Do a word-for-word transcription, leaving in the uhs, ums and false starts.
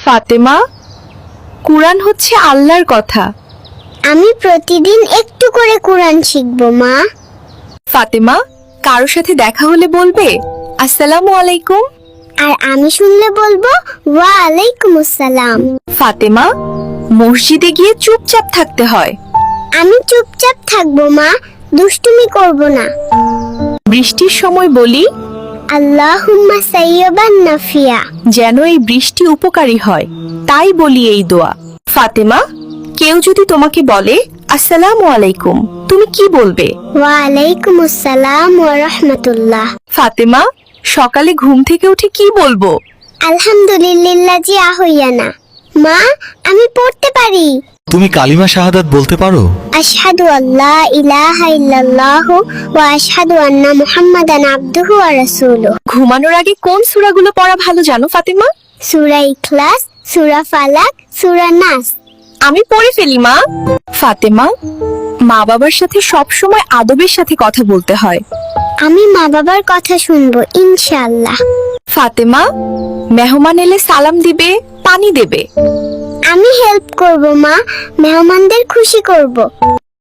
ফাতেমা, কুরআন হচ্ছে আল্লাহর কথা। আমি প্রতিদিন একটু করে কুরআন শিখব মা। ফাতেমা, কারোর সাথে দেখা হলে বলবে আসসালামু আলাইকুম। আর আমি শুনলে বলবো ওয়া আলাইকুম আসসালাম। ফাতেমা, মসজিদে গিয়ে চুপচাপ থাকতে হয়। আমি চুপচাপ থাকবো মা, দুষ্টুমি করব না। বৃষ্টির সময় বলি আল্লাহুম্মা সাইয়্যিবান নাফিয়া। যেন এই বৃষ্টি উপকারী হয়, তাই বলি এই দোয়া। ফাতেমা, কেউ যদি তোমাকে বলে আসসালামু আলাইকুম, তুমি কি বলবে? ওয়া আলাইকুম আসসালাম ওয়া রাহমাতুল্লাহ। ফাতেমা, সকালে ঘুম থেকে উঠে কি বলবো? আলহামদুলিল্লাহ জি আহইয়ানা। মা, আমি পড়তে পারি। তুমি কালিমা শাহাদাত বলতে পারো? আশহাদু আল্লা ইলাহা ইল্লাল্লাহু ওয়া আশহাদু আন্না মুহাম্মাদান আবদুহু ওয়া রাসূলুহু। ঘুমানোর আগে কোন সূরাগুলো পড়া ভালো জানো ফাতেমা? সূরা ইখলাস, সূরা ফালাক, সূরা নাস। আমি পড়ে ফেলি মা। ফাতেমা, মা বাবার সাথে সব সময় আদবের সাথে কথা বলতে হয়। আমি মা বাবার কথা শুনবো ইনশাআল্লাহ। ফাতেমা, মেহমান এলে সালাম দিবে, পানি দেবে। আমি হেল্প করব মা, মেহমানদের খুশি করব।